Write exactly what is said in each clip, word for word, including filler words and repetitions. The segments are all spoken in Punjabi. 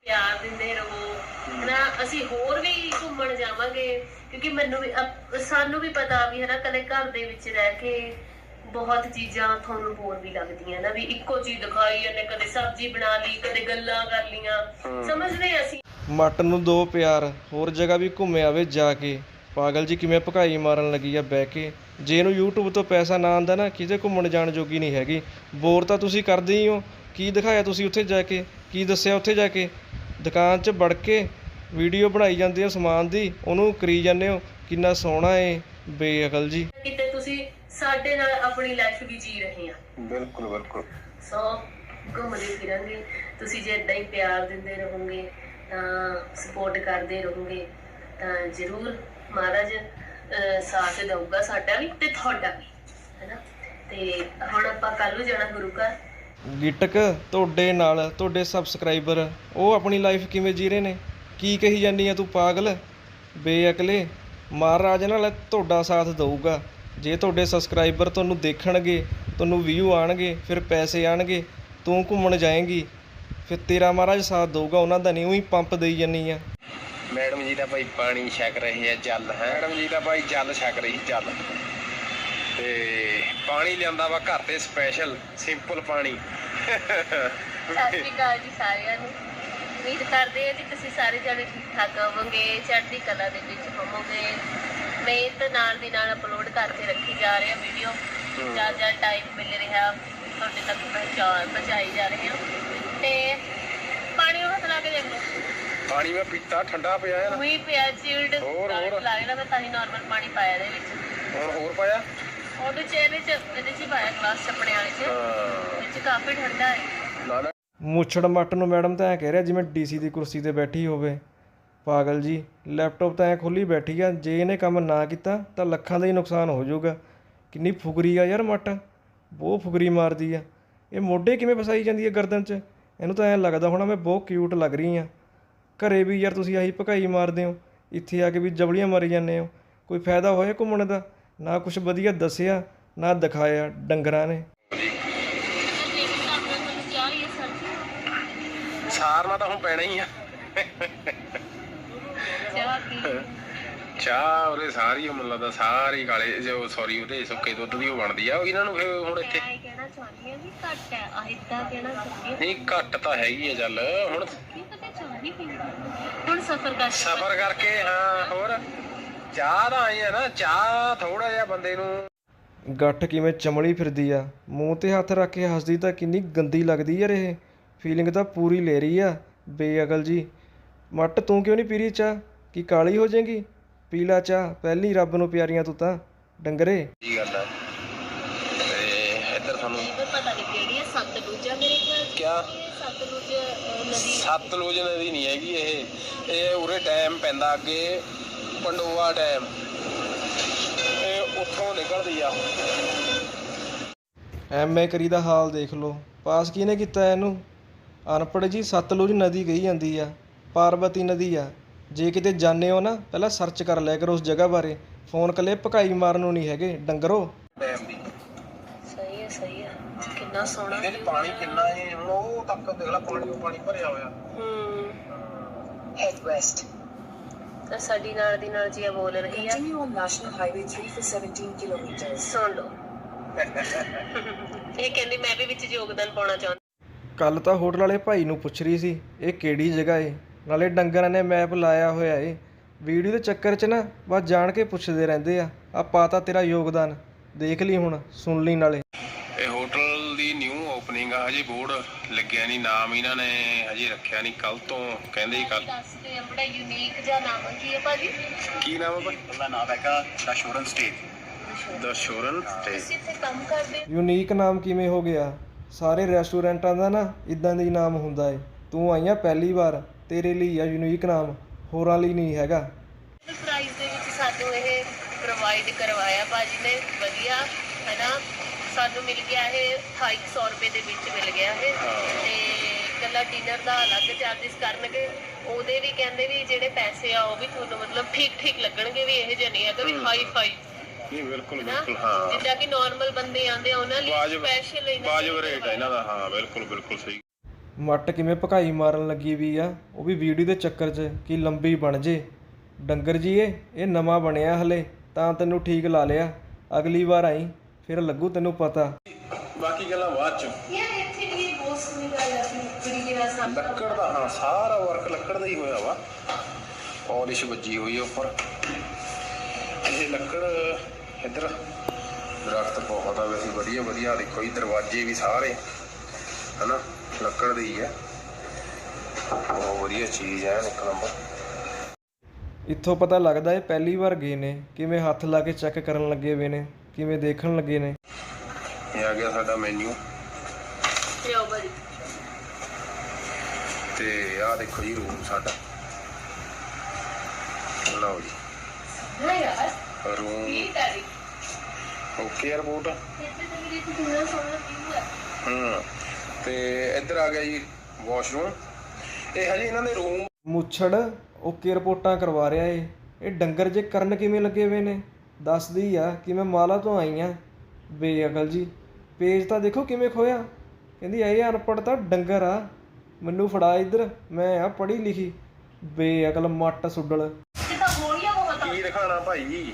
ਪਿਆਰ ਦਿੰਦੇ ਰਹੋ ਹਨਾ। ਅਸੀਂ ਹੋਰ ਵੀ ਘੁੰਮਣ ਜਾਵਾਂਗੇ ਕਿਉਂਕਿ ਮੈਨੂੰ ਵੀ ਸਾਨੂੰ ਵੀ ਪਤਾ ਵੀ ਹਨਾ ਕਦੇ ਘਰ ਦੇ ਵਿੱਚ ਰਹਿ ਕੇ ਬਹੁਤ ਚੀਜ਼ਾਂ ਤੁਹਾਨੂੰ ਹੋਰ ਵੀ ਲੱਗਦੀਆਂ ਨਾ ਵੀ ਇੱਕੋ ਚੀਜ਼ ਦਿਖਾਈ ਜਾਂਦੇ, ਕਦੇ ਸਬਜ਼ੀ ਬਣਾ ਲਈ, ਕਦੇ ਗੱਲਾਂ ਕਰ ਲੀਆਂ, ਸਮਝਦੇ ਅਸੀਂ। ਮੱਟ ਨੂੰ ਦੋ ਪਿਆਰ ਹੋਰ ਜਗ੍ਹਾ ਵੀ ਘੁੰਮੇ ਆਵੇ ਜਾ ਕੇ। ਪਾਗਲ ਜੀ ਕਿਵੇਂ ਭਕਾਈ ਮਾਰਨ ਲੱਗੀ ਆ ਬਹਿ ਕੇ। ਜੇ ਇਹਨੂੰ ਯੂਟਿਊਬ ਤੋਂ ਪੈਸਾ ਨਾ ਆਉਂਦਾ ਨਾ ਕਿਤੇ ਘੁੰਮਣ ਜਾਣ ਜੋਗੀ ਨਹੀਂ ਹੈਗੀ। ਬੋਰ ਤਾਂ ਤੁਸੀਂ ਕਰਦੇ ਹੀ ਹੋ। ਕੀ ਦਿਖਾਇਆ ਤੁਸੀਂ ਉੱਥੇ ਜਾ ਕੇ, ਕੀ ਦੱਸਿਆ ਉੱਥੇ ਜਾ ਕੇ? ਦੁਕਾਨ 'ਚ ਵੜ ਕੇ ਵੀਡੀਓ ਬਣਾਈ ਜਾਂਦੀ ਆ ਸਮਾਨ ਦੀ, ਉਹਨੂੰ ਕਰੀ ਜਾਂਦੇ ਹੋ ਕਿੰਨਾ ਸੋਹਣਾ ਏ। ਬੇਅਕਲ ਜੀ। ਕਿਤੇ ਤੁਸੀਂ ਸਾਡੇ ਨਾਲ ਆਪਣੀ ਲਾਈਫ ਵੀ ਜੀ ਰਹੇ ਆ। ਬਿਲਕੁਲ ਬਿਲਕੁਲ। ਸੋ ਘੁੰਮਦੇ ਫਿਰਾਂਗੇ, ਤੁਸੀਂ ਜੇ ਏਦਾਂ ਹੀ ਪਿਆਰ ਦਿੰਦੇ ਰਹੋਗੇ ਤਾਂ ਸਪੋਰਟ ਕਰਦੇ ਰਹੋਗੇ ਤਾਂ ਜ਼ਰੂਰ ਮਹਾਰਾਜ ਸਾਥ ਦਊਗਾ ਸਾਡਾ ਵੀ ਤੇ ਤੁਹਾਡਾ ਵੀ ਹੈਨਾ। ਤੇ ਹੁਣ ਆਪਾਂ ਕੱਲ ਨੂੰ ਜਾਣਾ ਗੁਰੂ ਘਰ। ਗਿਟਕ ਤੁਹਾਡੇ ਨਾਲ ਤੁਹਾਡੇ ਸਬਸਕ੍ਰਾਈਬਰ ਉਹ ਆਪਣੀ ਲਾਈਫ ਕਿਵੇਂ ਜੀ ਰਹੇ ਨੇ? ਕੀ ਕਹੀ ਜਾਂਦੀ ਆ ਤੂੰ ਪਾਗਲ ਬੇਅਕਲੇ। ਮਹਾਰਾਜ ਨਾਲ ਤੁਹਾਡਾ ਸਾਥ ਦਊਗਾ। ਜੇ ਤੁਹਾਡੇ ਸਬਸਕ੍ਰਾਈਬਰ ਤੁਹਾਨੂੰ ਦੇਖਣਗੇ, ਤੁਹਾਨੂੰ ਵਿਊ ਆਉਣਗੇ, ਫਿਰ ਪੈਸੇ ਆਉਣਗੇ, ਤੂੰ ਘੁੰਮਣ ਜਾਏਂਗੀ, ਫਿਰ ਤੇਰਾ ਮਹਾਰਾਜ ਸਾਥ ਦਊਗਾ, ਉਹਨਾਂ ਦਾ ਨਹੀਂ। ਉਹੀ ਪੰਪ ਦੇਈ ਜਾਂਦੀ ਆ। ਮੈਡਮ ਜੀ ਦਾ ਭਾਈ ਪਾਣੀ ਛਕ ਰਹੇ ਆ ਜਲ ਹੈ। ਮੈਡਮ ਜੀ ਦਾ ਭਾਈ ਜਲ ਛਕ ਰਹੀ ਜਲ ਤੇ ਪਾਣੀ ਲਿਆਂਦਾ ਵਾ ਘਰ ਤੇ ਸਪੈਸ਼ਲ ਸਿੰਪਲ ਪਾਣੀ। ਸਤਿ ਸ਼੍ਰੀ ਅਕਾਲ ਜੀ ਸਾਰਿਆਂ ਨੂੰ। ਉਮੀਦ ਕਰਦੇ ਹਾਂ ਜੀ ਤੁਸੀਂ ਸਾਰੇ ਜਣੇ ਠੀਕ ਠਾਕ ਹੋਵੋਗੇ, ਚੜ੍ਹਦੀ ਕਲਾ ਦੇ ਵਿੱਚ ਹੋਵੋਗੇ। ਮਿਹਨਤ ਨਾਲ ਦੀ ਨਾਲ ਅਪਲੋਡ ਕਰਕੇ ਰੱਖੀ ਜਾ ਰਹੇ ਆ ਵੀਡੀਓ। ਜਦ ਜਦ ਟਾਈਮ ਮਿਲ ਰਿਹਾ ਤੁਹਾਡੇ ਤੱਕ ਪਹੁੰਚਾ ਪਹੁੰਚਾਈ ਜਾ ਰਹੀ ਹਾਂ। ਤੇ ਪਾਣੀ ਨੂੰ ਹੱਥ ਲਾ ਕੇ ਦੇਖ ਲਓ। ਪਾਣੀ ਮੈਂ ਪੀਤਾ ਠੰਡਾ ਪਿਆ ਹੈ ਨਾ। ਉਹੀ ਪਿਆ ਚਿਲਡ ਹੋਰ ਹੋਰ ਲਾ ਲੈਣਾ। ਮੈਂ ਤਾਂ ਹੀ ਨਾਰਮਲ ਪਾਣੀ ਪਾਇਆ ਇਹਦੇ ਵਿੱਚ। ਹੁਣ ਹੋਰ ਪਾਇਆ ਉਹਦੇ ਚ ਇਹਦੇ ਚ ਇਹਦੇ ਚ ਹੀ ਪਾਇਆ ਗਲਾਸ ਚੱਪਣੇ ਵਾਲੇ ਚ। ਇਹ ਚ ਕਾਫੀ ਠੰਡਾ ਹੈ। ਨਾ ਨਾ ਮੁੱਛੜ ਮੱਟ ਨੂੰ ਮੈਡਮ ਤਾਂ ਐਂ ਕਹਿ ਰਿਹਾ ਜਿਵੇਂ ਡੀਸੀ ਦੀ ਕੁਰਸੀ 'ਤੇ ਬੈਠੀ ਹੋਵੇ। ਪਾਗਲ ਜੀ ਲੈਪਟਾਪ ਤਾਂ ਐਂ ਖੁੱਲ੍ਹੀ ਬੈਠੀ ਆ। ਜੇ ਇਹਨੇ ਕੰਮ ਨਾ ਕੀਤਾ ਤਾਂ ਲੱਖਾਂ ਦਾ ਹੀ ਨੁਕਸਾਨ ਹੋ ਜਾਊਗਾ। ਕਿੰਨੀ ਫੁਕਰੀ ਆ ਯਾਰ ਮੱਟ, ਬਹੁਤ ਫੁਕਰੀ ਮਾਰਦੀ ਆ। ਇਹ ਮੋਢੇ ਕਿਵੇਂ ਫਸਾਈ ਜਾਂਦੀ ਹੈ ਗਰਦਨ 'ਚ? ਇਹਨੂੰ ਤਾਂ ਐਂ ਲੱਗਦਾ ਹੋਣਾ ਮੈਂ ਬਹੁਤ ਕਿਊਟ ਲੱਗ ਰਹੀ ਹਾਂ। ਘਰੇ ਵੀ ਯਾਰ ਤੁਸੀਂ ਆਹੀ ਭਕਾਈ ਮਾਰਦੇ ਹੋ, ਇੱਥੇ ਆ ਕੇ ਵੀ ਜਬਲੀਆਂ ਮਾਰੀ ਜਾਂਦੇ ਹੋ। ਕੋਈ ਫਾਇਦਾ ਹੋਇਆ ਘੁੰਮਣ ਦਾ? ਨਾ ਕੁਛ ਵਧੀਆ ਦੱਸਿਆ ਨਾ ਦਿਖਾਇਆ ਡੰਗਰਾਂ ਨੇ। ਸਾਰਨਾ ਤਾਂ ਹੁਣ ਪੈਣਾ ਹੀ ਆ। ਚਾਹ ਉਹਦੇ ਸਾਰੀ ਮੈਨੂੰ ਲੱਗਦਾ ਸਾਰੀ ਕਾਲੇ ਜੋ ਸੌਰੀ ਉਹਦੇ ਸੁੱਕੇ ਦੁੱਧ ਦੀ ਉਹ ਬਣਦੀ ਆ। ਇਹਨਾਂ ਨੂੰ ਫਿਰ ਹੁਣ ਇੱਥੇ ਕਹਿਣਾ ਚਾਹੁੰਦੀ ਹਾਂ ਵੀ ਘੱਟ ਹੈ ਆ ਇਦਾਂ ਕਹਿਣਾ ਚਾਹੁੰਦੀ ਹਾਂ। ਨਹੀਂ ਘੱਟ ਤਾਂ ਹੈਗੀ ਆ ਚੱਲ ਹੁਣ ਹੁਣ ਸਫ਼ਰ ਕਰ ਸਫ਼ਰ ਕਰਕੇ। ਹਾਂ ਹੋਰ ਚਾਹ ਤਾਂ ਆਈ ਆ ਨਾ। ਚਾਹ ਥੋੜਾ ਜਿਹਾ ਬੰਦੇ ਨੂੰ ਗੱਠ ਕਿਵੇਂ ਚਮੜੀ ਫਿਰਦੀ ਆ। ਮੂੰਹ 'ਤੇ ਹੱਥ ਰੱਖ ਕੇ ਹੱਸਦੀ ਤਾਂ ਕਿੰਨੀ ਗੰਦੀ ਲੱਗਦੀ ਯਾਰ। ਇਹ ਫੀਲਿੰਗ ਤਾਂ ਪੂਰੀ ਲੈ ਰਹੀ ਆ। ਬੇਅਕਲ ਜੀ ਮੱਟ ਤੂੰ ਕਿਉਂ ਨਹੀਂ ਪੀ ਰਹੀ ਚਾਹ? ਕੀ ਕਾਲੀ ਹੋ ਜਾਏਗੀ? ਪੀ ਲਾ ਚਾਹ, ਪਹਿਲੀ ਰੱਬ ਨੂੰ ਪਿਆਰੀਆਂ ਤੂੰ ਤਾਂ ਡੰਗਰੇ। ਕੀ ਗੱਲ ਹੈ ਤੇ ਇੱਧਰ ਤੁਹਾਨੂੰ ਪਤਾ ਨਹੀਂ ਕਿਹੜੀ ਹੈ। ਸਤਲੁਜ ਆ ਮੇਰੇ ਖਿਆਲ ਚ। ਕਿਆ ਸਤਲੁਜ ਨਦੀ? ਸਤਲੁਜ ਨਦੀ ਨਹੀਂ ਹੈਗੀ ਇਹ। ਇਹ ਉਰੇ ਡੈਮ ਪੈਂਦਾ ਅੱਗੇ ਪੰਡੋਆ ਡੈਮ, ਇਹ ਉੱਥੋਂ ਨਿਕਲਦੀ ਆ। ਐਮ ਏ ਕਰੀ ਦਾ ਹਾਲ ਦੇਖ ਲਓ। ਪਾਸ ਕਿਹਨੇ ਕੀਤਾ ਇਹਨੂੰ? ਅਨਪੜ੍ਹ ਜੀ। ਸਤਲੁਜ ਨਦੀ ਕਹੀ ਜਾਂਦੀ ਆ, ਪਾਰਬਤੀ ਨਦੀ ਆ। ਜੇ ਕਿਤੇ ਜਾਂਦੇ ਹੋ ਨਾ ਪਹਿਲਾਂ ਸਰਚ ਕਰ ਲਿਆ ਕਰੋ ਉਸ ਜਗ੍ਹਾ ਬਾਰੇ। ਫੋਨ ਕੱਲੇ ਭਕਾਈ ਮਾਰਨ ਨੂੰ ਨਹੀਂ ਹੈਗੇ ਡੰਗਰੋ। ਡੈਮ ਦੀ ਸਹੀ ਹੈ ਸਹੀ ਹੈ। ਕਿੰਨਾ ਸੋਹਣਾ ਇਹਦੇ 'ਚ ਪਾਣੀ ਕਿੰਨਾ ਹੈ ਹੁਣ ਉਹ ਤੱਕ ਦੇਖ ਲੈ। ਪਾਣੀ ਪਾਣੀ ਭਰਿਆ ਹੋਇਆ। ਹੂੰ ਹੈਡ ਵੈਸਟ ਤਾਂ ਸਾਡੀ ਨਾਲ ਦੀ ਨਾਲ ਜੀ ਬੋਲ ਰਹੀ ਆ। Continue on national highway three for seventeen kilometres. ਸੁਣ ਲਓ ਇਹ ਕਹਿੰਦੀ ਮੈਂ ਵੀ ਵਿੱਚ ਯੋਗਦਾਨ ਪਾਉਣਾ ਚਾਹੁੰਦੀ। ਕੱਲ ਤਾਂ ਹੋਟਲ ਵਾਲੇ ਭਾਈ ਨੂੰ ਪੁੱਛ ਰਹੀ ਸੀ ਇਹ ਕਿਹੜੀ ਜਗ੍ਹਾ ਏ, ਨਾਲੇ ਡੰਗਰਾਂ ਨੇ ਮੈਪ ਲਾਇਆ ਹੋਇਆ ਏ। ਵੀਡੀਓ ਦੇ ਚੱਕਰ 'ਚ ਨਾ ਬਸ ਜਾਣ ਕੇ ਪੁੱਛਦੇ ਰਹਿੰਦੇ ਆ। ਆ ਪਾਤਾ ਤੇਰਾ ਯੋਗਦਾਨ, ਦੇਖ ਲਈ ਹੁਣ, ਸੁਣ ਲਈ ਨਾਲੇ। ਇਹ ਹੋਟਲ ਦੀ ਨਿਊ ਓਪਨਿੰਗ ਆ, ਹਜੇ ਬੋਰਡ ਲੱਗਿਆ ਨਹੀਂ। ਨਾਮ ਇਹਨਾਂ ਨੇ ਹਜੇ ਰੱਖਿਆ ਨਹੀਂ, ਕੱਲ ਤੋਂ ਕਹਿੰਦੇ ਕੱਲ। ਦੱਸਦੇ ਆ ਬੜਾ ਯੂਨੀਕ ਜਿਹਾ ਨਾਮ ਕੀ ਹੈ ਭਾਜੀ? ਕੀ ਨਾਮ ਹੈ ਭਾਜੀ? ਉਹਦਾ ਨਾਮ ਹੈਗਾ ਦ ਸ਼ੋਰਨ ਸਟੇ। ਦ ਸ਼ੋਰਨ ਸਟੇ। ਤੁਸੀਂ ਇੱਥੇ ਕੰਮ ਕਰਦੇ? ਯੂਨੀਕ ਨਾਮ ਕਿਵੇਂ ਹੋ ਗਿਆ? ਸਾਰੇ ਰੈਸਟੋਰੈਂਟਾਂ ਦਾ ਨਾ ਇੱਦਾਂ ਦਾ ਹੀ ਨਾਮ ਹੁੰਦਾ ਏ। ਤੂੰ ਆਈ ਆ ਪਹਿਲੀ ਵਾਰ, ਤੇਰੇ ਲਈ ਆ ਯੂਨੀਕ ਨਾਮ, ਹੋਰਾਂ ਲਈ ਨਹੀਂ ਹੈਗਾ। ਪ੍ਰਾਈਸ ਦੇ ਵਿੱਚ ਸਾਨੂੰ ਇਹ ਪ੍ਰੋਵਾਈਡ ਕਰਵਾਇਆ ਭਾਜੀ ਨੇ, ਵਧੀਆ ਹੈ ਨਾ। ਸਾਨੂੰ ਮਿਲ ਗਿਆ ਇਹ ਅਠਾਈ ਸੌ ਰੁਪਏ ਦੇ ਵਿੱਚ ਮਿਲ ਗਿਆ ਇਹ। ਤੇ ਇਕੱਲਾ ਡਿਨਰ ਦਾ ਅਲੱਗ ਚਾਰਜਿਸ ਕਰਨਗੇ। ਉਹਦੇ ਵੀ ਕਹਿੰਦੇ ਵੀ ਜਿਹੜੇ ਪੈਸੇ ਆ ਉਹ ਵੀ ਤੁਹਾਨੂੰ ਮਤਲਬ ਠੀਕ ਠੀਕ ਲੱਗਣਗੇ, ਵੀ ਇਹ ਜਿਹੇ ਨਹੀਂ ਹੈਗਾ ਵੀ ਹਾਈ ਫਾਈ। ਨਹੀਂ ਬਿਲਕੁਲ ਬਿਲਕੁਲ ਹਾਂ। ਜਿੱਦਾਂ ਕਿ ਨਾਰਮਲ ਬੰਦੇ ਆਉਂਦੇ ਆ ਉਹਨਾਂ ਲਈ ਸਪੈਸ਼ਲ ਵਾਜਬ ਰੇਟ ਹੈ ਇਹਨਾਂ ਦਾ। ਹਾਂ ਬਿਲਕੁਲ ਬਿਲਕੁਲ ਸਹੀ। ਮੱਟ ਕਿਵੇਂ ਭਕਾਈ ਮਾਰਨ ਲੱਗੀ ਵੀ ਆ, ਉਹ ਵੀ ਵੀਡੀਓ ਦੇ ਚੱਕਰ 'ਚ ਕਿ ਲੰਬੀ ਬਣ ਜੇ। ਡੰਗਰ ਜੀ ਇਹ ਇਹ ਨਵਾਂ ਬਣਿਆ ਹਲੇ, ਤਾਂ ਤੈਨੂੰ ਠੀਕ ਲਾ ਲਿਆ। ਅਗਲੀ ਵਾਰ ਆਈ ਫਿਰ ਲੱਗੂ ਤੈਨੂੰ ਪਤਾ। ਬਾਕੀ ਗੱਲਾਂ ਬਾਅਦ ਚ। ਯਾਰ ਇੱਥੇ ਵੀ ਬਹੁਤ ਸੋਹਣੀ ਗੱਲ ਆ ਕਿ ਜਿਹੜੀ ਆ ਸਭ ਲੱਕੜ ਦਾ, ਹਾਂ ਸਾਰਾ ਵਰਕ ਲੱਕੜ ਦਾ ਹੀ ਹੋਇਆ ਵਾ। ਪਾਲਿਸ਼ ਵੱਜੀ ਹੋਈ ਹੈ ਉੱਪਰ। ਇਹ ਲੱਕੜ ਇੱਧਰ ਦਰਖਤ ਬਹੁਤ ਆ ਵੈਸੇ ਵਧੀਆ ਵਧੀਆ। ਦੇਖੋ ਜੀ ਦਰਵਾਜ਼ੇ ਵੀ ਸਾਰੇ ਹਨਾ ਲੱਕੜ ਦੇ ਹੀ ਹੈ। ਬਹੁਤ ਵਧੀਆ ਚੀਜ਼ ਹੈ ਇੱਕ ਨੰਬਰ। ਇੱਥੋਂ ਪਤਾ ਲੱਗਦਾ ਇਹ ਪਹਿਲੀ ਵਾਰ ਗਏ ਨੇ, ਕਿਵੇਂ ਹੱਥ ਲਾ ਕੇ ਚੈੱਕ ਕਰਨ ਲੱਗੇ ਵੇ ਨੇ, ਕਿਵੇਂ ਦੇਖਣ ਲੱਗੇ ਨੇ। ਇਹ ਆ ਗਿਆ ਸਾਡਾ ਮੈਨੂ ਲਿਓ ਬੜੀ। ਤੇ ਆਹ ਦੇਖੋ ਜੀ ਰੂਮ ਸਾਡਾ। ਲਓ ਜੀ ਨਾ ਯਾਰ ਰੂਮ ਇਹ ਤਾਰੀ ਓਕੇ 에어ਪੋਰਟ। ਇੱਥੇ ਤੇ ਮੇਰੀ ਕਿੰਨਾ ਸੋਹਣਾ ਵਿਊ ਹੈ। ਹੂੰ ਤੇ ਇੱਧਰ ਆ ਗਿਆ ਜੀ ਵਾਸ਼ਰੂਮ। ਇਹ ਹਜੇ ਇਹਨਾਂ ਦੇ ਰੂਮ ਮੁੱਛੜ ਓਕੇ ਰਿਪੋਰਟਾਂ ਕਰਵਾ ਰਿਹਾ ਏ। ਇਹ ਡੰਗਰ ਜੇ ਕਰਨ ਕਿਵੇਂ ਲੱਗੇ ਵੇ ਨੇ, ਦੱਸਦੀ ਆ ਕਿ ਮੈਂ ਮਾਲਾ ਤੋਂ ਆਈ ਆ। ਬੇਅਕਲ ਜੀ, ਪੇਜ ਤਾਂ ਦੇਖੋ ਕਿਵੇਂ ਖੋਇਆ। ਕਹਿੰਦੀ ਇਹ ਅਨਪੜ੍ਹ ਤਾਂ ਡੰਗਰ ਆ, ਮੈਨੂੰ ਫੜਾ ਇੱਧਰ, ਮੈਂ ਆ ਪੜ੍ਹੀ ਲਿਖੀ। ਬੇਅਕਲ ਮੱਟ ਸੁੱਡਲ। ਕਿਤਾ ਗੋਲੀਆਂ ਬਹੁਤ ਆ। ਕੀ ਦਿਖਾਣਾ ਭਾਈ।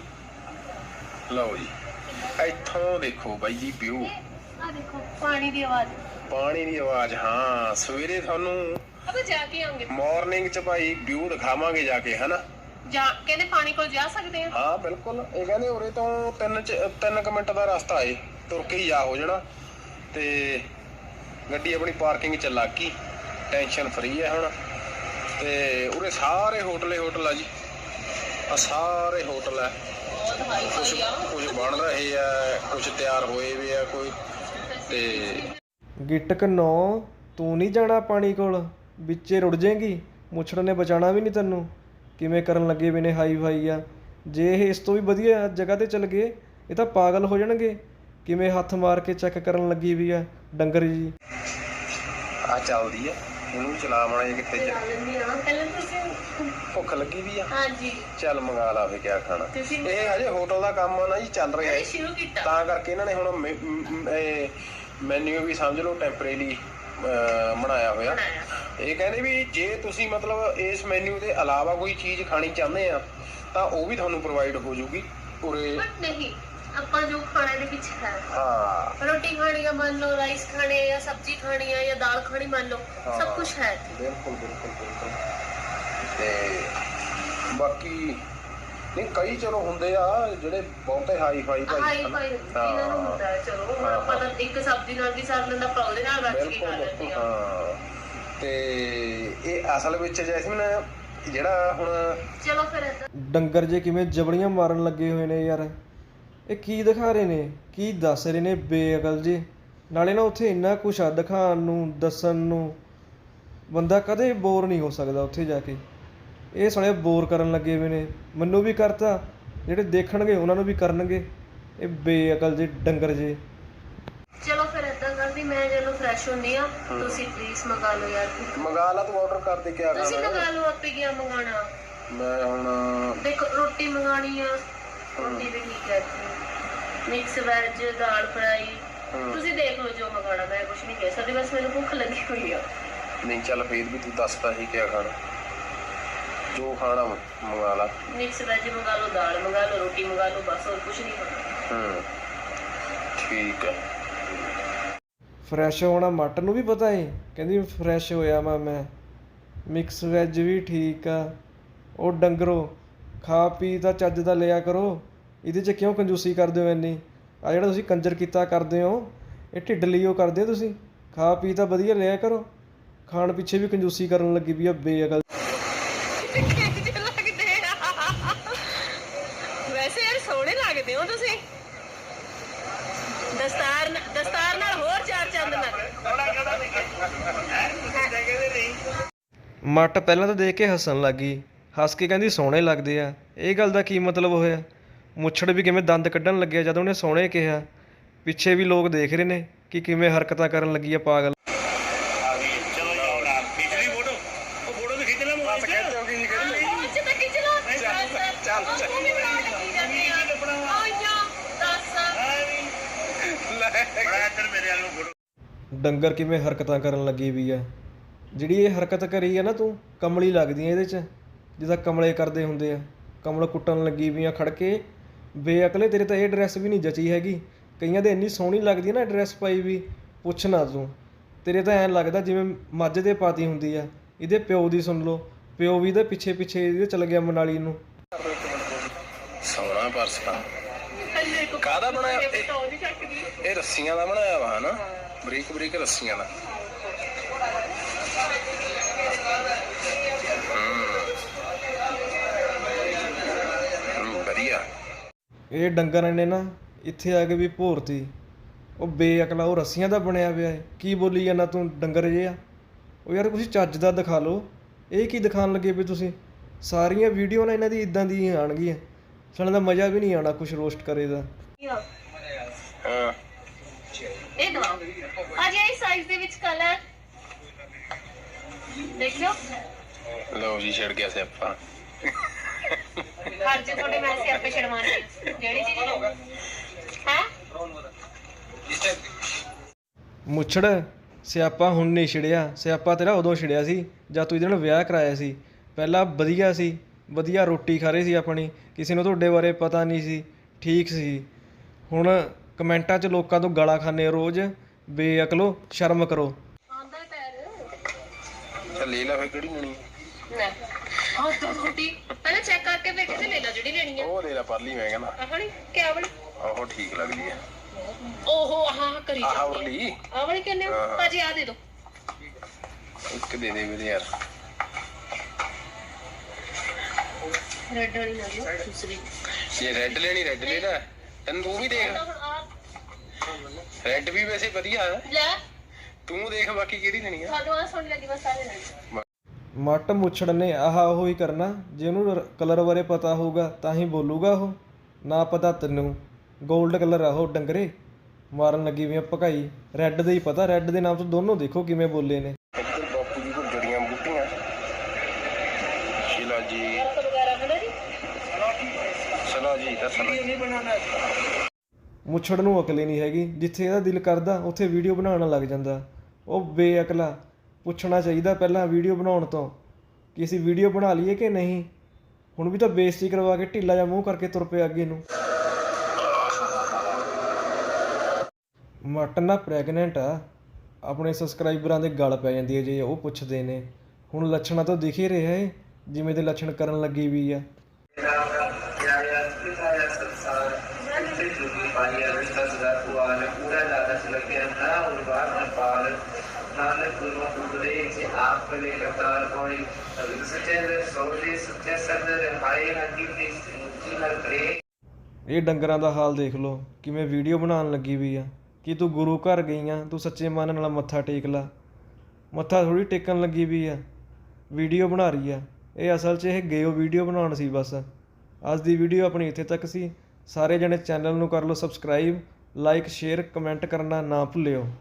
ਲਓ ਜੀ ਇੱਥੋਂ ਦੇਖੋ ਬਾਈ ਜੀ ਵਿਊ। ਆ ਦੇਖੋ ਪਾਣੀ ਦੀ ਆਵਾਜ਼। ਪਾਣੀ ਦੀ ਆਵਾਜ਼। ਹਾਂ ਸਵੇਰੇ ਤੁਹਾਨੂੰ ਅਬੇ ਜਾ ਕੇ ਆਉਂਗੇ ਮਾਰਨਿੰਗ ਚ ਭਾਈ ਵਿਊ ਦਿਖਾਵਾਂਗੇ ਜਾ ਕੇ ਹਨਾ। ਜਾ ਕਹਿੰਦੇ ਪਾਣੀ ਕੋਲ ਜਾ ਸਕਦੇ ਆ। ਹਾਂ ਬਿਲਕੁਲ। ਇਹ ਕਹਿੰਦੇ ਉਰੇ ਤੋਂ ਤਿੰਨ ਚ ਤਿੰਨ ਕੁ ਮਿੰਟ ਦਾ ਰਸਤਾ ਏ, ਤੁਰ ਕੇ ਹੀ ਜਾ ਹੋ ਜਾਣਾ। ਤੇ ਗੱਡੀ ਆਪਣੀ ਪਾਰਕਿੰਗ ਚ ਲੱਗ ਗਈ, ਟੈਨਸ਼ਨ ਫਰੀ ਹੈ ਹੁਣ। ਤੇ ਉਰੇ ਸਾਰੇ ਹੋਟਲ ਹੀ ਹੋਟਲ ਆ ਜੀ। ਆ ਸਾਰੇ ਹੋਟਲ ਹੈ। ਬਹੁਤ ਹਾਈ ਕੁਛ ਫਾਈ ਆ। ਕੁਛ ਬਣ ਰਹੇ ਆ, ਕੁਛ ਤਿਆਰ ਹੋਏ ਵੀ ਆ ਕੋਈ। ਤੇ ਗਿੱਟਕ ਨੌ ਤੂੰ ਨਹੀਂ ਜਾਣਾ ਪਾਣੀ ਕੋਲ, ਵਿੱਚੇ ਰੁੜ ਜਾਏਗੀ। ਮੁੱਛੜ ਨੇ ਬਚਾਉਣਾ ਵੀ ਨਹੀਂ ਤੈਨੂੰ। ਕਿਵੇਂ ਕਰਨ ਲੱਗੇ ਵੀ ਨੇ ਹਾਈ ਫਾਈ ਆ। ਜੇ ਇਹ ਇਸ ਤੋਂ ਵੀ ਵਧੀਆ ਜਗ੍ਹਾ 'ਤੇ ਚੱਲ ਗਏ ਇਹ ਤਾਂ ਪਾਗਲ ਹੋ ਜਾਣਗੇ। ਕਿਵੇਂ ਹੱਥ ਮਾਰ ਕੇ ਚੈੱਕ ਕਰਨ ਲੱਗੀ ਵੀ ਆ ਡੰਗਰ ਜੀ। ਆ ਚੱਲਦੀ ਆ, ਇਹਨੂੰ ਚਲਾ ਮਾਣਾ ਜੇ ਕਿੱਥੇ ਚਲਾ ਲੈਂਦੀ ਆ। ਪਹਿਲਾਂ ਤੁਸੀਂ ਭੁੱਖ ਲੱਗੀ ਵੀ ਆ। ਹਾਂਜੀ ਚੱਲ ਮੰਗਾ ਲਾ ਫੇ ਕਿਆ ਖਾਣਾ। ਤੁਸੀਂ ਇਹ ਹਜੇ ਹੋਟਲ ਦਾ ਕੰਮ ਨਾ ਜੀ ਚੱਲ ਰਿਹਾ ਹੈ, ਸ਼ੁਰੂ ਕੀਤਾ ਤਾਂ ਕਰਕੇ ਇਹਨਾਂ ਨੇ ਹੁਣ ਮੈਨੂ ਵੀ ਸਮਝ ਲਓ ਟੈਂਪਰੇਰੀ ਬਣਾਇਆ ਹੋਇਆ। ਬਣਾਇਆ। ਇਹ ਕਹਿੰਦੇ ਵੀ ਜੇ ਤੁਸੀਂ ਮਤਲਬ ਇਸ ਮੈਨੂ ਦੇ ਇਲਾਵਾ ਕੋਈ ਚੀਜ਼ ਖਾਣੀ ਚਾਹੁੰਦੇ ਆ ਤਾਂ ਉਹ ਵੀ ਤੁਹਾਨੂੰ ਪ੍ਰੋਵਾਈਡ ਹੋ ਜੂਗੀ ਉਰੇ। ਬਟ ਨਹੀਂ ਆਪਾਂ ਜੋ ਖਾਣੇ ਦੇ ਵਿੱਚ ਹੈ, ਹਾਂ ਰੋਟੀ ਖਾਣੀ ਆ ਮੰਨ ਲਓ, ਰਾਈਸ ਖਾਣੇ ਆ ਜਾਂ ਸਬਜ਼ੀ ਖਾਣੀ ਆ ਜਾਂ ਦਾਲ ਖਾਣੀ ਮੰਨ ਲਓ, ਸਭ ਕੁਝ ਹੈ। ਬਿਲਕੁਲ ਬਿਲਕੁਲ ਬਿਲਕੁਲ। ਤੇ ਬਾਕੀ ਨਹੀਂ ਕਈ ਚਲੋ ਹੁੰਦੇ ਆ ਜਿਹੜੇ ਬਹੁਤੇ ਹਾਈ ਫਾਈ ਭਾਈ ਹਾਈ ਫਾਈ ਇਹਨਾਂ ਨੂੰ ਹੁੰਦਾ ਹੈ। ਚਲੋ ਹੁਣ ਆਪਾਂ ਤਾਂ ਇੱਕ ਸਬਜ਼ੀ ਨਾਲ ਵੀ ਸਰ ਲੈਂਦਾ, ਆਪਾਂ ਉਹਦੇ ਨਾਲ ਰੱਜ ਕੇ ਖਾ ਲੈਂਦੇ ਆ। ਹਾਂ ਤੇ ਇਹ ਅਸਲ ਵਿੱਚ ਜੈਸਮੀਨ ਜਿਹੜਾ ਹੁਣ ਚਲੋ ਫਿਰ ਏਦਾਂ ਡੰਗਰ ਜੇ ਕਿਵੇਂ ਜਬੜੀਆਂ ਮਾਰਨ ਲੱਗੇ ਹੋਏ ਨੇ ਯਾਰ। ਇਹ ਕੀ ਦਿਖਾ ਰਹੇ ਨੇ, ਕੀ ਦੱਸ ਰਹੇ ਨੇ ਬੇਅਕਲ ਜੇ। ਨਾਲੇ ਨਾ ਉੱਥੇ ਇੰਨਾ ਕੁਛ ਆ ਦਿਖਾਉਣ ਨੂੰ, ਦੱਸਣ ਨੂੰ, ਬੰਦਾ ਕਦੇ ਬੋਰ ਨਹੀਂ ਹੋ ਸਕਦਾ ਉੱਥੇ ਜਾ ਕੇ। ਇਹ ਸਾਲੇ ਬੋਰ ਕਰਨ ਲੱਗੇ ਹੋਏ ਨੇ, ਮੈਨੂੰ ਵੀ ਕਰਤਾ, ਜਿਹੜੇ ਦੇਖਣਗੇ ਉਹਨਾਂ ਨੂੰ ਵੀ ਕਰਨਗੇ। ਇਹ ਬੇਅਕਲ ਜੇ ਡੰਗਰ ਜੇ। ਚਲੋ ਫਿਰ ਏਦਾਂ ਕਰਦੀ, ਮੈਂ ਜਦੋਂ ਫਰੈਸ਼ ਹੁੰਦੀ ਆ ਤੁਸੀਂ ਪਲੀਜ਼ ਮੰਗਾ ਲਓ ਯਾਰ। ਮੰਗਾ ਲਾ ਤੂੰ ਆਰਡਰ ਕਰ ਦੇ ਕਿਆ ਤੁਸੀਂ ਖਾਣਾ। ਮੰਗਾ ਲਓ, ਆਪੇ ਕੀ ਮੰਗਾਣਾ। ਮੈਂ ਹੁਣ ਦੇਖੋ ਰੋਟੀ ਮੰਗਾਣੀ ਆ, ਰੋਟੀ ਵੀ ਠੀਕ ਹੈ, ਮਿਕਸ ਵੈਜ, ਦਾਲ ਫਰਾਈ, ਤੁਸੀਂ ਦੇਖ ਲਓ ਜੋ ਮੰਗਾਣਾ। ਮੈਂ ਕੁਝ ਨਹੀਂ ਕਹਿ ਸਕਦੀ, ਬਸ ਮੈਨੂੰ ਭੁੱਖ ਲੱਗੀ ਹੋਈ ਆ। ਨਹੀਂ ਚੱਲ ਫੇਰ ਵੀ ਤੂੰ ਦੱਸਦਾ ਸੀ ਕਿਆ ਖਾਣਾ, ਜੋ ਖਾਣਾ ਮੰਗਾ ਲਾ। ਮਿਕਸ ਵੈਜ ਮੰਗਾ ਲਓ, ਦਾਲ ਮੰਗਾ ਲਓ, ਰੋਟੀ ਮੰਗਾ ਲਓ, ਬਸ ਹੋਰ ਕੁਝ ਨਹੀਂ ਖਾਣਾ। ਹੂੰ ਠੀਕ ਹੈ। ਫਰੈਸ਼ ਹੋਣਾ ਮੱਟ ਨੂੰ ਵੀ ਪਤਾ ਏ, ਕਹਿੰਦੀ ਫਰੈਸ਼ ਹੋਇਆ ਮੈਂ ਮੈਂ ਮਿਕਸ ਵੈਜ ਵੀ ਠੀਕ ਆ। ਉਹ ਡੰਗਰੋ ਖਾ ਪੀ ਤਾਂ ਚੱਜ ਦਾ ਲਿਆ ਕਰੋ, ਇਹਦੇ 'ਚ ਕਿਉਂ ਕੰਜੂਸੀ ਕਰਦੇ ਹੋ ਇੰਨੀ। ਆ ਜਿਹੜਾ ਤੁਸੀਂ ਕੰਜਰ ਕੀਤਾ ਕਰਦੇ ਹੋ ਇਹ ਢਿੱਡ ਲਈ ਉਹ ਕਰਦੇ ਹੋ ਤੁਸੀਂ। ਖਾ ਪੀ ਤਾਂ ਵਧੀਆ ਲਿਆ ਕਰੋ, ਖਾਣ ਪਿੱਛੇ ਵੀ ਕੰਜੂਸੀ ਕਰਨ ਲੱਗੀ ਵੀ ਆ ਬੇਅਕਲ। ਵੈਸੇ ਯਾਰ ਸੋਹਣੇ ਲੱਗਦੇ ਹੋ ਤੁਸੀਂ, ਦਸਤਾਰ ਦਸਤਾਰ ਨਾਲ ਹੋਰ ਚਾਰ ਚੰਦ ਲੱਗ। ਮੱਟ ਪਹਿਲਾਂ ਤਾਂ ਦੇਖ ਕੇ ਹੱਸਣ ਲੱਗ ਗਈ, ਹੱਸ ਕੇ ਕਹਿੰਦੀ ਸੋਹਣੇ ਲੱਗਦੇ ਆ। ਇਹ ਗੱਲ ਦਾ ਕੀ ਮਤਲਬ ਹੋਇਆ। ਮੁੱਛੜ ਵੀ ਕਿਵੇਂ ਦੰਦ ਕੱਢਣ ਲੱਗਿਆ ਜਦੋਂ ਉਹਨੇ ਸੋਹਣੇ ਕਿਹਾ। ਪਿੱਛੇ ਵੀ ਲੋਕ ਦੇਖ ਰਹੇ ਨੇ ਕਿ ਕਿਵੇਂ ਹਰਕਤਾਂ ਕਰਨ ਲੱਗੀ ਆ ਪਾਗਲ। ਡੰਗਰ ਕਿਵੇਂ ਹਰਕਤਾਂ ਕਰਨ ਲੱਗੀ ਵੀ ਆ। ਜਿਹੜੀ ਇਹ ਹਰਕਤ ਕਰੀ ਆ ਨਾ ਤੂੰ, ਕਮਲੀ ਲੱਗਦੀ ਆ ਇਹਦੇ 'ਚ, ਜਿੱਦਾਂ ਕਮਲੇ ਕਰਦੇ ਹੁੰਦੇ ਆ। ਕਮਲ ਕੁੱਟਣ ਲੱਗੀ ਵੀ ਆ ਖੜ ਕੇ। ਬੇਅਕਲੇ, ਤੇਰੇ ਤਾਂ ਇਹ ਡਰੈਸ ਵੀ ਨਹੀਂ ਜਚੀ ਹੈਗੀ। ਕਈਆਂ ਦੇ ਇੰਨੀ ਸੋਹਣੀ ਲੱਗਦੀ ਆ ਨਾ ਡਰੈਸ ਪਾਈ ਵੀ, ਪੁੱਛ ਨਾ ਤੂੰ। ਤੇਰੇ ਤਾਂ ਐਂ ਲੱਗਦਾ ਜਿਵੇਂ ਮੱਝ ਦੇ ਪਾਤੀ ਹੁੰਦੀ ਆ। ਇਹਦੇ ਪਿਓ ਦੀ ਸੁਣ ਲਓ, ਪਿਓ ਵੀ ਇਹਦੇ ਪਿੱਛੇ ਪਿੱਛੇ ਇਹਦੇ ਚਲ ਗਿਆ ਮਨਾਲੀ ਨੂੰ। ਸੋਹਣਾ ਪਰਸ ਤਾਂ ਕਾਹਦਾ ਬਣਾਇਆ? ਇਹ ਰੱਸੀਆਂ ਦਾ ਬਣਾਇਆ ਵਾ ਹਨਾ, ਬਰੀਕ ਬਰੀਕ ਰੱਸੀਆਂ ਦਾ। ਹੂੰ ਵਧੀਆ। ਇਹ ਡੰਗਰਾਂ ਨੇ ਨਾ ਇੱਥੇ ਆ ਕੇ ਵੀ ਭੋਰਤੀ। ਉਹ ਬੇਅਕਲਾ, ਉਹ ਰੱਸੀਆਂ ਦਾ ਬਣਿਆ ਪਿਆ ਹੈ। ਕੀ ਬੋਲੀ ਜਾਂਦਾ ਤੂੰ ਡੰਗਰ ਜਿਹਾ? ਉਹ ਯਾਰ ਕੁਛ ਚੱਜ ਦਾ ਦਿਖਾ ਲਓ। ਇਹ ਕੀ ਦਿਖਾਉਣ ਲੱਗੇ ਵੀ ਤੁਸੀਂ? ਸਾਰੀਆਂ ਵੀਡੀਓ ਨਾ ਇਹਨਾਂ ਦੀ ਇਦਾਂ ਦੀ ਆਉਣਗੀਆਂ, ਸਾਨੂੰ ਦਾ ਮਜ਼ਾ ਵੀ ਨਹੀਂ ਆਉਣਾ ਕੁਛ ਰੋਸਟ ਕਰੇ ਦਾ। ਹਾਂ ਇਹ ਦਵਾਓ ਅਜੇ ਇਸ ਸਾਈਜ਼ ਦੇ ਵਿੱਚ ਕਲਰ ਦੇਖਿਓ। ਲਓ ਜੀ, ਛਿੜ ਗਿਆ ਸਿਆਪਾ। ਹਰ ਜੇ ਤੁਹਾਡੇ ਮੈਂ ਸਿਆਪੇ ਛੜਵਾਣੇ ਜਿਹੜੀ ਚੀਜ਼ ਹੈ ਮੁੱਛੜ, ਸਿਆਪਾ ਹੁਣ ਨਹੀਂ ਛਿੜਿਆ। ਸਿਆਪਾ ਤੇਰਾ ਉਦੋਂ ਛਿੜਿਆ ਸੀ ਜਦ ਤੂੰ ਇਹਦੇ ਨਾਲ ਵਿਆਹ ਕਰਾਇਆ ਸੀ। ਪਹਿਲਾਂ ਵਧੀਆ ਸੀ, ਵਧੀਆ ਰੋਟੀ ਖਾ ਰਹੇ ਸੀ ਆਪਣੀ, ਕਿਸੇ ਨੂੰ ਤੁਹਾਡੇ ਬਾਰੇ ਪਤਾ ਨਹੀਂ ਸੀ, ਠੀਕ ਸੀ। ਹੁਣ ਕਮੈਂਟਾਂ 'ਚ ਲੋਕਾਂ ਤੋਂ ਗਾਲਾਂ ਖਾਂਦੇ ਰੋਜ਼। ਬੇਅਕਲੋ, ਸ਼ਰਮ ਕਰੋ। ਆਂਦਾ ਪੈਰ ਚੱਲ ਲੈ ਲੈ ਫਿਰ, ਕਿਹੜੀ ਲੈਣੀ? ਨਾ ਆਹ ਤਾਂ ਰੋਟੀ ਪਹਿਲਾਂ ਚੈੱਕ ਕਰਕੇ ਫਿਰ ਕਿਤੇ ਲੈ ਲੈ ਜਿਹੜੀ ਲੈਣੀ ਆ। ਉਹ ਲੈ ਲੈ ਪਰਲੀ, ਮੈਂ ਕਹਿੰਦਾ ਆਹ ਵਾਲੀ ਕਿਆ ਵਾਲੀ? ਆਹੋ ਠੀਕ ਲੱਗਦੀ ਹੈ। ਓਹੋ ਆਹ ਕਰੀ ਆਹ ਜਾਂਦੇ ਵਾਲੀ ਆ। ਆਹ ਵਾਲੀ ਕਿੰਨੇ ਭਾਜੀ? ਆ ਦੇ ਦੋ ਇੱਕ ਦੇ ਦੇ ਵੀਰੇ ਯਾਰ। ਰੈੱਡ ਵਾਲੀ ਲੈ ਲਓ ਦੂਸਰੀ। ਇਹ ਰੈੱਡ ਲੈਣੀ, ਰੈੱਡ ਲੈ ਲੈ। ਤੈਨੂੰ ਤੂੰ ਵੀ ਦੇਖ, ਹੁਣ ਆ ਰੈੱਡ ਵੀ ਵੈਸੇ ਵਧੀਆ ਹੈ। ਲੈ ਤੂੰ ਦੇਖ ਬਾਕੀ ਕਿਹੜੀ ਲੈਣੀ ਆ। ਤੁਹਾਨੂੰ ਆ ਸੋਹਣੀ ਲੱਗੀ ਬਸ ਆ ਲੈ ਲੈਣੀ। ਮੱਟ ਮੁੱਛੜ ਨੇ ਆਹ ਉਹ ਹੀ ਕਰਨਾ। ਜੇ ਉਹਨੂੰ ਕਲਰ ਬਾਰੇ ਪਤਾ ਹੋਊਗਾ ਤਾਂ ਹੀ ਬੋਲੂਗਾ। ਉਹ ਨਾ ਪਤਾ ਤੈਨੂੰ। ਗੋਲਡ ਕਲਰ ਆ ਉਹ ਡੰਗਰੇ। ਮਾਰਨ ਲੱਗੀ ਵੀ ਆ ਭਕਾਈ। ਰੈੱਡ ਦੇ ਹੀ ਪਤਾ, ਰੈੱਡ ਦੇ ਨਾਮ ਤੋਂ ਦੋਨੋਂ ਦੇਖੋ ਕਿਵੇਂ ਬੋਲੇ ਨੇ। ਇੱਧਰ ਬਾਪੂ ਜੀ ਕੋਲ ਜੜੀਆਂ ਬੂਟੀਆਂ। ਸ਼ਿਲਾ ਜੀ, ਵਗੈਰਾ ਹੈ ਨਾ ਜੀ। ਸਲਾ ਜੀ ਦਾ ਸਲਾ। ਮੁੱਛੜ ਨੂੰ ਅਕਲ ਹੀ ਨਹੀਂ ਹੈਗੀ। ਜਿੱਥੇ ਇਹਦਾ ਦਿਲ ਕਰਦਾ ਉੱਥੇ ਵੀਡੀਓ ਬਣਾਉਣ ਲੱਗ ਜਾਂਦਾ। ਉਹ ਬੇਅਕਲਾ, ਪੁੱਛਣਾ ਚਾਹੀਦਾ ਪਹਿਲਾਂ ਵੀਡੀਓ ਬਣਾਉਣ ਤੋਂ ਕਿ ਅਸੀਂ ਵੀਡੀਓ ਬਣਾ ਲਈਏ ਕਿ ਨਹੀਂ। ਹੁਣ ਵੀ ਤਾਂ ਬੇਇੱਜ਼ਤੀ ਕਰਵਾ ਕੇ ਢਿੱਲਾ ਜਿਹਾ ਮੂੰਹ ਕਰਕੇ ਤੁਰ ਪਿਆ ਅੱਗੇ ਨੂੰ। ਮੱਟ ਨਾ ਪ੍ਰੈਗਨੈਂਟ ਆ। ਆਪਣੇ ਸਬਸਕ੍ਰਾਈਬਰਾਂ ਦੇ ਗਲ ਪੈ ਜਾਂਦੀ ਹੈ ਜੇ ਉਹ ਪੁੱਛਦੇ ਨੇ। ਹੁਣ ਲੱਛਣਾਂ ਤੋਂ ਦਿਖ ਹੀ ਰਿਹਾ ਏ ਜਿਵੇਂ ਦੇ ਲੱਛਣ ਕਰਨ ਲੱਗੀ ਵੀ ਆ। ਇਹ ਡੰਗਰਾਂ ਦਾ ਹਾਲ ਦੇਖ ਲਓ ਕਿਵੇਂ ਵੀਡੀਓ ਬਣਾਉਣ ਲੱਗੀ ਵੀ ਆ। ਕਿ ਤੂੰ ਗੁਰੂ ਘਰ ਗਈ ਆ, ਤੂੰ ਸੱਚੇ ਮਨ ਨਾਲ ਮੱਥਾ ਟੇਕ ਲਾ। ਮੱਥਾ ਥੋੜੀ ਟੇਕਣ ਲੱਗੀ ਵੀ ਆ, ਵੀਡੀਓ ਬਣਾ ਰਹੀ ਆ। ਇਹ ਅਸਲ 'ਚ ਇਹ ਗੇਓ ਵੀਡੀਓ ਬਣਾਉਣ ਸੀ ਬਸ। ਅੱਜ ਦੀ ਵੀਡੀਓ ਆਪਣੀ ਇੱਥੇ ਤੱਕ ਸੀ। ਸਾਰੇ ਜਣੇ ਚੈਨਲ ਨੂੰ ਕਰ ਲਓ ਸਬਸਕ੍ਰਾਈਬ, ਲਾਈਕ, ਸ਼ੇਅਰ, ਕਮੈਂਟ ਕਰਨਾ ਨਾ ਭੁੱਲਿਓ।